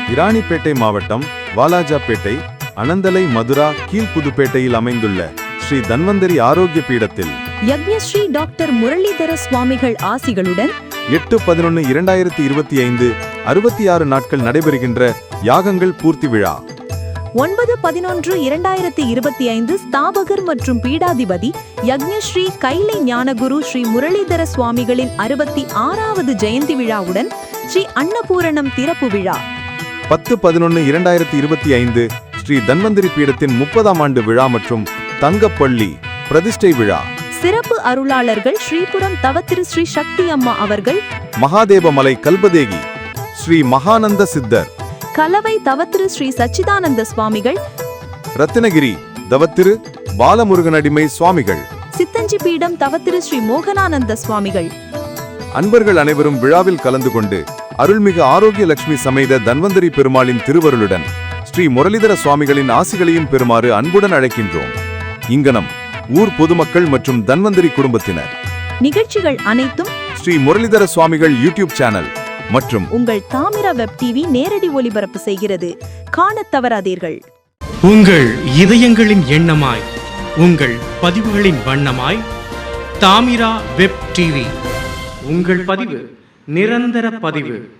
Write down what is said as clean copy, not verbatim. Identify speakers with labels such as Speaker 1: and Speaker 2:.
Speaker 1: இராணிப்பேட்டை மாவட்டம் வாலாஜாப்பேட்டை அனந்தலை மதுரா கீழ்புதுப்பேட்டையில் அமைந்துள்ள ஸ்ரீ தன்வந்தரி ஆரோக்கிய பீடத்தில்
Speaker 2: யக்ஞஸ்ரீ டாக்டர் முரளிதர சுவாமிகள் ஆசிகளுடன்
Speaker 1: 8/11/2025 66 நாட்கள் நடைபெறுகின்ற யாகங்கள் பூர்த்தி விழா.
Speaker 2: 9/11/2025 ஸ்தாபகர் மற்றும் பீடாதிபதி யக்ஞஸ்ரீ கைலை ஞானகுரு ஸ்ரீ முரளிதர சுவாமிகளின் 66வது ஜெயந்தி விழாவுடன் ஸ்ரீ அன்னபூரணம் திறப்பு விழா.
Speaker 1: 10/11/2025 ஸ்ரீ தன்வந்தரி பீடத்தின் 30ஆம் ஆண்டு விழா மற்றும் தங்கப்பள்ளி பிரதிஷ்டை விழா.
Speaker 2: சிறப்பு அருளாளர்கள் ஸ்ரீபுரம் தவத்திரு ஸ்ரீ சக்தி அம்மா அவர்கள்,
Speaker 1: மகாதேவமலை கல்பதேகி ஸ்ரீ மகானந்த சித்தர்,
Speaker 2: கலவை தவத்திரு ஸ்ரீ சச்சிதானந்த சுவாமிகள்,
Speaker 1: ரத்தினகிரி தவத்திரு பாலமுருகனடிமை சுவாமிகள்,
Speaker 2: சித்தஞ்சி பீடம் தவத்திரு ஸ்ரீ மோகனானந்த சுவாமிகள்.
Speaker 1: அன்பர்கள் அனைவரும் விழாவில் கலந்து கொண்டு அருள்மிகு ஆரோக்கிய லட்சுமி சமேத தன்வந்தரி பெருமாளின் திருவருளுடன் ஸ்ரீ முரளிதர சுவாமிகளின் ஆசிகளையும் பெறுமாறு அன்புடன் அழைக்கின்றோம். இங்கனம் ஊர் பொதுமக்கள் மற்றும் தன்வந்தரி குடும்பத்தினர்.
Speaker 2: நிகழ்ச்சிகள் அனைத்தும்
Speaker 1: ஸ்ரீ முரளிதர சுவாமிகள் யூடியூப் சேனல் மற்றும்
Speaker 2: உங்கள் தாமிரா வெப் டிவி நேரடி ஒளிபரப்பு செய்கிறது. காணத் தவறாதீர்கள்.
Speaker 3: உங்கள் இதயங்களின் எண்ணமாய், உங்கள் பதிவுகளின் வண்ணமாய் தாமிரா வெப் டிவி. உங்கள் பதிவு நிரந்தர பதிவு.